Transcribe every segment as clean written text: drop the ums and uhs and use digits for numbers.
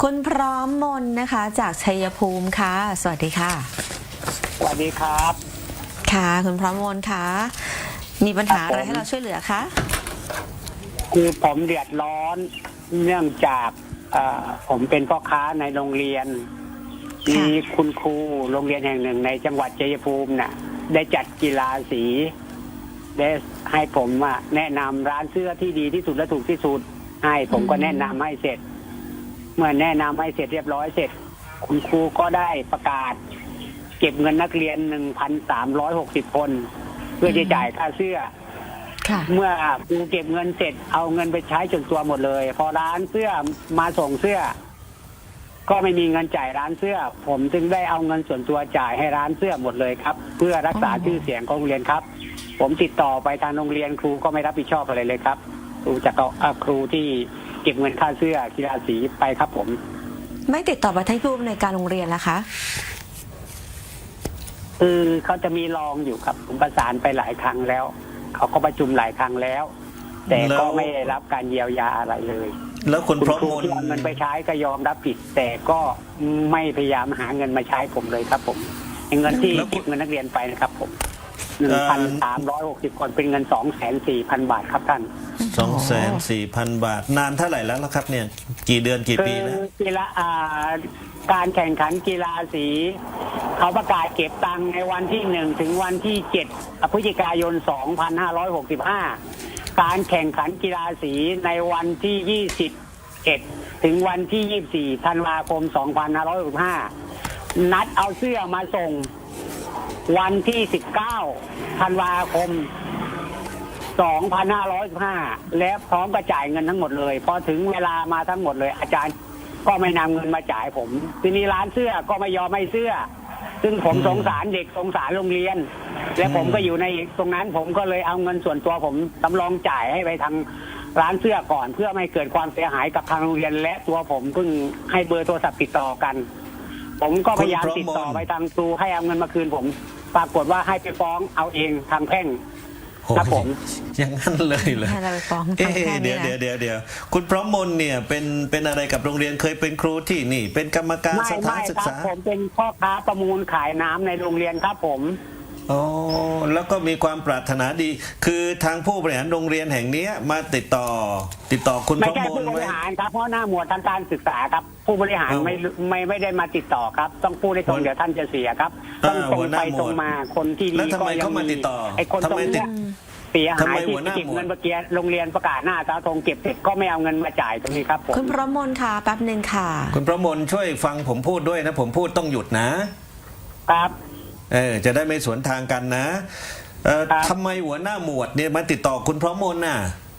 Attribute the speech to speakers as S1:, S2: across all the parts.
S1: คุณพร้อมมนนะคะจากชัยภูมิค่ะสวัสดีค่ะ
S2: สวัสดีครับ
S1: ค่ะคุณพร้อมมนค่ะมีปัญหาอะไรให้เราช่วยเหลือคะ
S2: คือผมเดือดร้อนเนื่องจากผมเป็นพ่อค้าในโรงเรียนมีคุณครูโรงเรียนแห่งหนึ่งในจังหวัดชัยภูมิน่ะได้จัดกีฬาสีได้ให้ผมแนะนำร้านเสื้อที่ดีที่สุดและถูกที่สุดให้ผมก็แนะนำให้เสร็จเมื่อแนะนำให้เสร็จเรียบร้อยเสร็จคุณครูก็ได้ประกาศเก็บเงินนักเรียน 1,360 คนเพื่อจะจ่ายค่าเสื้อเมื่อครูเก็บเงินเสร็จเอาเงินไปใช้จนตัวหมดเลยพอร้านเสื้อมาส่งเสื้อก็ไม่มีเงินจ่ายร้านเสื้อผมจึงได้เอาเงินส่วนตัวจ่ายให้ร้านเสื้อหมดเลยครับเพื่อรักษาชื่อเสียงของโรงเรียนครับผมติดต่อไปทางโรงเรียนครูก็ไม่รับผิดชอบอะไรเลยครับครูจากครูที่เก็บเงินค่าเสื้อกีฬาสีไปครับผม
S1: ไม่ติดต่อไปที่ผู้อำนวยการโรงเรียนนะคะ
S2: คือเขาจะมีรองอยู่ครับผมประสานไปหลายครั้งแล้วเขาก็ประชุมหลายครั้งแล้วแต่ก็ไม่ได้รับการเยียวยาอะไรเลย
S3: แล้วคุณพร้อมมน
S2: ที่เอาเงินไปใช้ก็ยอมรับผิดแต่ก็ไม่พยายามหาเงินมาใช้ผมเลยครับผมเงินที่เก็บเงินนักเรียนไปนะครับผม 1,360 คนเป็นเงิน 240,000 บาทครับท่าน
S3: 240,000 บาทนานเท่าไหร่แล้วครับเนี่ยกี่เดือนกี่ปีแล้ว
S2: กีฬาการแข่งขันกีฬาสีเขาประกาศเก็บตังค์ในวันที่1ถึงวันที่7พฤศจิกายน 2565การแข่งขันกีฬาสีในวันที่21ถึงวันที่24ธันวาคม 2565นัดเอาเสื้อมาส่งวันที่19ธันวาคม 2515และพร้อมกระจ่ายเงินทั้งหมดเลยพอถึงเวลามาทั้งหมดเลยอาจารย์ก็ไม่นำเงินมาจ่ายผมทีนี้ร้านเสื้อก็ไม่ยอมให้เสื้อซึ่งผมสงสารเด็กสงสารโรงเรียนและผมก็อยู่ในตรงนั้นผมก็เลยเอาเงินส่วนตัวผมสำรองจ่ายให้ไปทางร้านเสื้อก่อนเพื่อไม่เกิดความเสียหายกับทางโรงเรียนและตัวผมเพิ่งให้เบอร์โทรศัพท์ติดต่อกันผมก็พยายามติดต่อไปทางครูให้เอาเงินมาคืนผมปรากฏว่าให้ไปฟ้องเอาเองทางแพ่งครับผม
S3: อย่างนั้นเลยเหรอเดี๋ยวคุณพร้อมมนเนี่ยเป็นอะไรกับโรงเรียนเคยเป็นครูที่นี่เป็นกรรมการสถานศึกษา
S2: ผมเป็นพ่อค้าประมูลขายน้ำในโรงเรียนครับผม
S3: อ๋อแล้วก็มีความปรารถนาดีคือทางผู้บริหารโรงเรียนแห่งนี้มาติดต่อคุณพร้อมมน
S2: ไม่ใช่ผู้บริหารครับเพราะหน้าหมวดทางการศึกษาครับผู้บริหารไม่ได้มาติดต่อครับต้องพูดให้ตรงเดี๋ยวท่านจะเสียครับต้องตรงไปตรงมาคนที่
S3: นี่ก็ยังมี
S2: ไอ้คนตรงนี้เสียหายที่เก็บเงินเมื่อกี้โรงเรียนประกาศหน้าเสาธงเก็บเสร็จก็ไม่เอาเงินมาจ่ายตรงนี้ครับผม
S1: คุณพร้อมมนค่ะแป๊บนึงค่ะ
S3: คุณพร้อมมนช่วยฟังผมพูดด้วยนะผมพูดต้องหยุดนะครับจะได้ไม่สวนทางกันนะทำไมหัวหน้าหมวดเนี่ยมาติดต่อคุณพร้อมมนน่ะ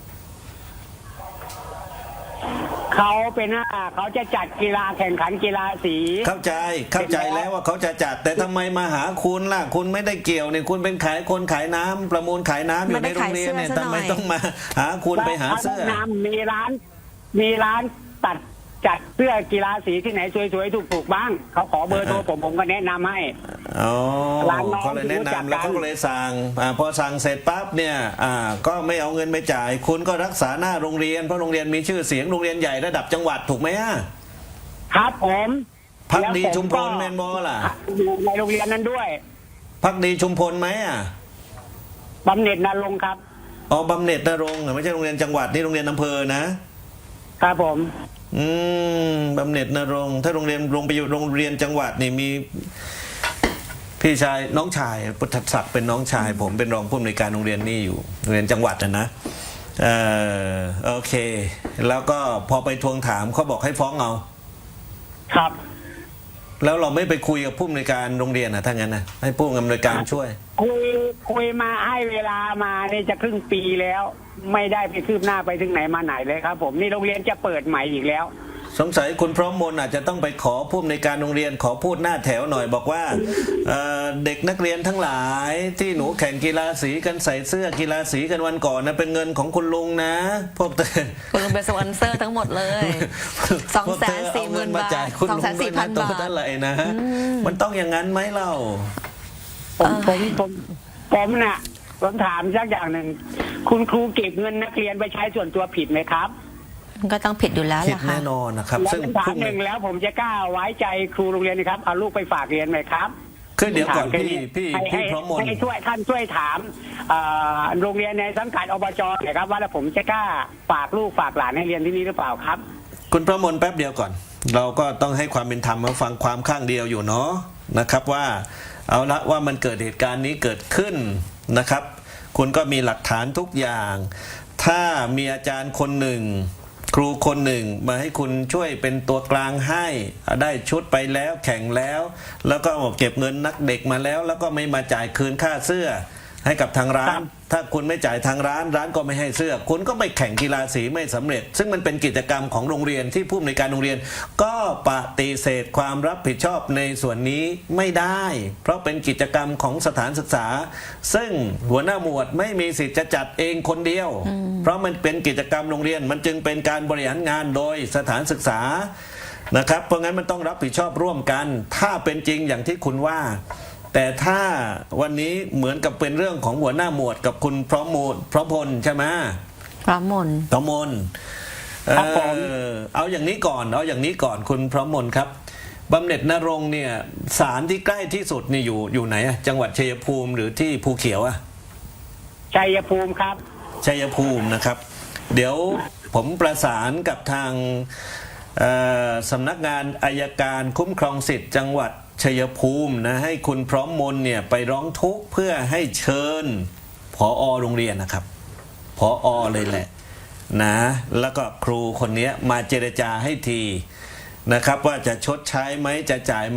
S2: เขาเป็นเขาจะจัดกีฬาแข่งขันกีฬาสี
S3: เข้าใจแล้วว่าเขาจะจัดแต่ทำไมมาหาคุณล่ะคุณไม่ได้เกี่ยวเนี่ยคุณเป็นคนขายน้ำประมูลขายน้ำอยู่ในโรงเรียนเนี่ยทำไมต้องมาหาคุณไปหาเสื้อ
S2: มีร้านตัดจัดเสื้อกีฬาสีที่ไหนสวยๆถูกๆบ้างเขาขอเบอร์โทรผมก็แนะนำให้
S3: เขาเลยแนะนำแล้วเขาก็เลยสั่งพอสั่งเสร็จปั๊บเนี่ยก็ไม่เอาเงินไปจ่ายคุณก็รักษาหน้าโรงเรียนเพราะโรงเรียนมีชื่อเสียงโรงเรียนใหญ่ระดับจังหวัดถูกไหม
S2: ครับผม
S3: พักดีชุมพลแมนบอล่ะ
S2: ในโรงเรียนนั้นด้วย
S3: พักดีชุมพลไหม
S2: บำเหน็จนรงค์ครับ
S3: บำเหน็จนรงค์ไม่ใช่โรงเรียนจังหวัดนี่โรงเรียนอำเภอ
S2: นะครับผม
S3: บำเหน็จนรงค์ถ้าโรงเรียนลงไปอยู่โรงเรียนจังหวัดนี่มีพี่ชายน้องชายพุทธศักดิ์เป็นน้องชายผมเป็นรองผู้อำนวยการโรงเรียนนี่อยู่โรงเรียนจังหวัดนะโอเคแล้วก็พอไปทวงถามเขาบอกให้ฟ้องเอา
S2: ครับ
S3: แล้วเราไม่ไปคุยกับผู้อำนวยการโรงเรียนถ้างั้นนะให้ผู้อำนวยการช่วย
S2: คุยมาให้เวลามานี่จะครึ่งปีแล้วไม่ได้ไปคืบหน้าไปถึงไหนมาไหนเลยครับผมนี่โรงเรียนจะเปิดใหม่อีกแล้ว
S3: สงสัยคุณพร้อมมนอาจจะต้องไปขอผู้อำนวยการโรงเรียนขอพูดหน้าแถวหน่อยบอกว่าเด็กนักเรียนทั้งหลายที่หนูแข่งกีฬาสีกันใส่เสื้อกีฬาสีกันวันก่อนนะเป็นเงินของคุณลุงนะพวก
S1: คุณลุงเป็นสปอนเซอร์ทั้งหมดเลย240,000 บาท240,000 บาท
S3: เท่าไหร่นะมันต้องอย่างนั้นไหมเล่า
S2: ผมน่ะผมถามสักอย่างหนึ่งคุณครูเก็บเงินนักเรียนไปใช้ส่วนตัวผิดไหมครับ
S1: มันก็ต้องผิดอยู่แล้ว
S3: ผิด
S1: ล่ะค่ะ
S3: แน่นอนนะครับ
S2: แล้ว
S3: ซึ่ง
S2: คำถาม
S3: พรุ่ง
S2: หนึ่งแล้วผมจะกล้าไว้ใจครูโรงเรียนนะครับเอาลูกไปฝากเรียนไหมครับ
S3: คือเดี๋ยวก่อน
S2: ถามแค่นี้
S3: พี่พร้อมมน
S2: ให้ช่วยท่านช่วยถามโรงเรียนในสังกัดอบจหน่อยครับว่าแล้วผมจะกล้าฝากลูกฝากหลานให้เรียนที่นี่หรือเปล่าครับ
S3: คุณพระมนแป๊บเดียวก่อน เราก็ต้องให้ความเป็นธรรมมาฟังความข้างเดียวอยู่เนาะนะครับว่าเอาละว่ามันเกิดเหตุการณ์นี้เกิดขึ้นนะครับ คุณก็มีหลักฐานทุกอย่าง ถ้ามีอาจารย์คนหนึ่ง ครูคนหนึ่งมาให้คุณช่วยเป็นตัวกลางให้ได้ชุดไปแล้วแข่งแล้ว แล้วก็เก็บเงินนักเด็กมาแล้ว แล้วก็ไม่มาจ่ายคืนค่าเสื้อให้กับทางร้า
S2: ครั
S3: น
S2: บ
S3: ถ้าคุณไม่จ่ายทางร้านร้านก็ไม่ให้เสื้อ คุณก็ไปแข่งกีฬาสีไม่สำเร็จ ซึ่งมันเป็นกิจกรรมของโรงเรียนที่ผู้อำนวยการโรงเรียน ก็ปฏิเสธความรับผิดชอบในส่วนนี้ไม่ได้ เพราะเป็นกิจกรรมของสถานศึกษา ซึ่งหัวหน้าหมวดไม่มีสิทธิ์จะจัดเองคนเดียว เพราะมันเป็นกิจกรรมโรงเรียนมันจึงเป็นการบริหารงานโดยสถานศึกษานะครับเพราะงั้นมันต้องรับผิดชอบร่วมกัน ถ้าเป็นจริงอย่างที่คุณว่า แต่ถ้าวันนี้เหมือนกับเป็นเรื่องของหัวหน้าหมวดกับคุณพร้อมพลใช่ไหม
S1: พร้อมมน
S3: พร้อมมล
S2: ครับผม
S3: เอาอย่างนี้ก่อนคุณพร้อมมลครับบำเหน็จนรงค์เนี่ยศาลที่ใกล้ที่สุดนี่อยู่ไหนอะจังหวัดชัยภูมิหรือที่ภูเขียวอะ
S2: ชัยภูมิครับ
S3: ชัยภูมินะครับ เดี๋ยวผมประสานกับทางสำนักงานอัยการคุ้มครองสิทธิ์จังหวัดชัยภูมินะให้คุณพร้อมมนเนี่ยไปร้องทุกข์เพื่อให้เชิญผอ.โรงเรียนนะครับผอ.เลยแหละนะแล้วก็ครูคนนี้มาเจรจาให้ทีนะครับว่าจะชดใช้ไหมจะจ่ายไหม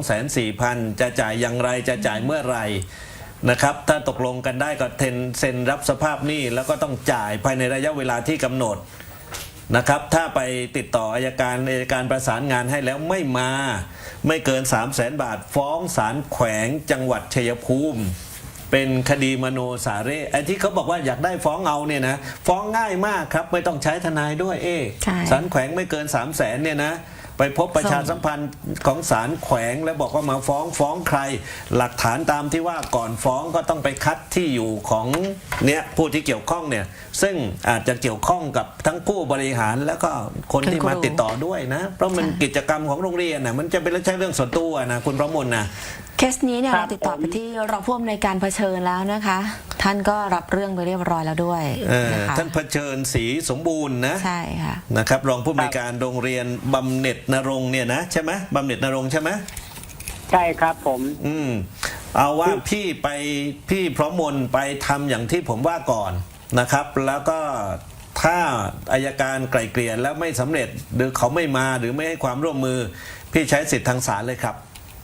S3: 240,000จะจ่ายอย่างไรจะจ่ายเมื่อไหร่นะครับถ้าตกลงกันได้ก็เซ็นรับสภาพหนี้แล้วก็ต้องจ่ายภายในระยะเวลาที่กำหนดนะครับถ้าไปติดต่ออัยการประสานงานให้แล้วไม่มาไม่เกิน 300,000 บาทฟ้องศาลแขวงจังหวัดชัยภูมิเป็นคดีมโนสาเร่ไอ้ที่เขาบอกว่าอยากได้ฟ้องเอาเนี่ยนะฟ้องง่ายมากครับไม่ต้องใช้ทนายด้วย
S1: ใช่
S3: ศาลแขวงไม่เกิน 300,000เนี่ยนะไปพบประชาสัมพันธ์ของศาลแขวงแล้วบอกว่ามาฟ้องใครหลักฐานตามที่ว่าก่อนฟ้องก็ต้องไปคัดที่อยู่ของเนี่ยผู้ที่เกี่ยวข้องเนี่ยซึ่งอาจจะเกี่ยวข้องกับทั้งผู้บริหารแล้วก็คนที่มาติดต่อด้วยนะเพราะมันกิจกรรมของโรงเรียนนะมันจะเป็นเรื่องส่วนตัวนะคุณประมลนะ
S1: เคสนี้เนี่ย
S2: ครั
S1: เรา
S2: บ
S1: ติดต่อ
S2: ผม
S1: ไปที่รองผู้อำนวยการเผชิญแล้วนะคะ ท่านก็รับเรื่องไปเรียบร้อยแล้วด้วยนะคะ
S3: ท่านเผชิญศรีสมบูรณ์นะ
S1: ใช่ค่ะ
S3: นะครับรองผู้อำนวยการโรงเรียนบำเหน็จนรงค์เนี่ยนะใช่ไหมบำเหน็จนรงค์ใช่ไหม
S2: ใช่ครับผม
S3: เอาว่าพี่พร้อมมนไปทำอย่างที่ผมว่าก่อนนะครับ แล้วก็ถ้าอัยการไกล่เกลี่ยแล้วไม่สำเร็จหรือเขาไม่มาหรือไม่ให้ความร่วมมือ พี่ใช้สิทธิ์ทางศาลเลยครับ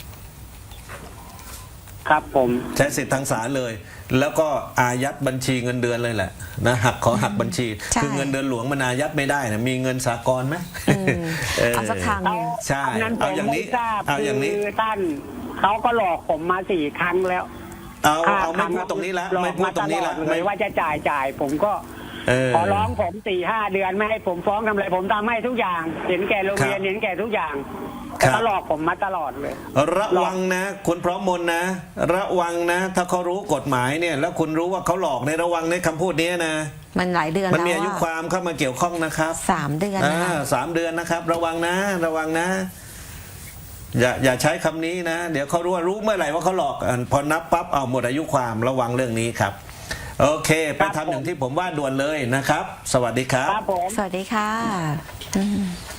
S2: ครับผม
S3: ใช้สิทธิ์ทางศาลเลย แล้วก็อายัดบัญชีเงินเดือนเลยแหละนะขอหักบัญชี
S1: ใช่
S3: คือเงินเดือนหลวงมันอายัดไม่ได้นะมีเงินสากลไหม
S1: เอาสักทางหนึง
S3: ใช่
S2: อันนั้นผ
S3: เอา
S2: ม
S3: อย่างนี้
S2: ไม่ทราบ
S3: เอาอย่างนี้
S2: คือท่านเขาก็หลอกผมมา4 ครั้งแล้ว
S3: เอาไม่พูดตรงนี้ละ
S2: หลอ
S3: ไม่
S2: ก
S3: พูด
S2: มา
S3: ตร
S2: ต
S3: ง
S2: ล
S3: นี้
S2: อ
S3: ละ
S2: ดเลยว่าจะจ่ายผมก็ ขอร้องผม4-5 เดือนไม่ให้ผมฟ้องทำอะไรผมทำให้ทุกอย่าง เห็นแก่โรงเรียนเห็นแก่ทุกอย่างแต่เขาหลอกผมมาตลอดเลย
S3: ระวังนะคุณพร้อมมนนะ ระวังนะ ถ้าเขารู้กฎหมายเนี่ยแล้วคุณรู้ว่าเขาหลอกในระวังในคำพูดนี้นะ
S1: มันหลายเดือน
S3: มัน
S1: แล้ว
S3: มีอายุความเข้ามาเกี่ยวข้องนะครับ
S1: 3 เดือนนะคะ
S3: 3 เดือนนะครับ ระวังนะ ระวังนะ อย่าใช้คำนี้นะ เดี๋ยวเขารู้เมื่อไหร่ว่าเขาหลอกพอนับปั๊บเอาหมดอายุความระวังเรื่องนี้ครับ โอเค ไปทำอย่างที่ผมว่าด่วนเลยนะครับ สวัสดีครับ
S2: ครับผม
S1: สวัสดีค่ะ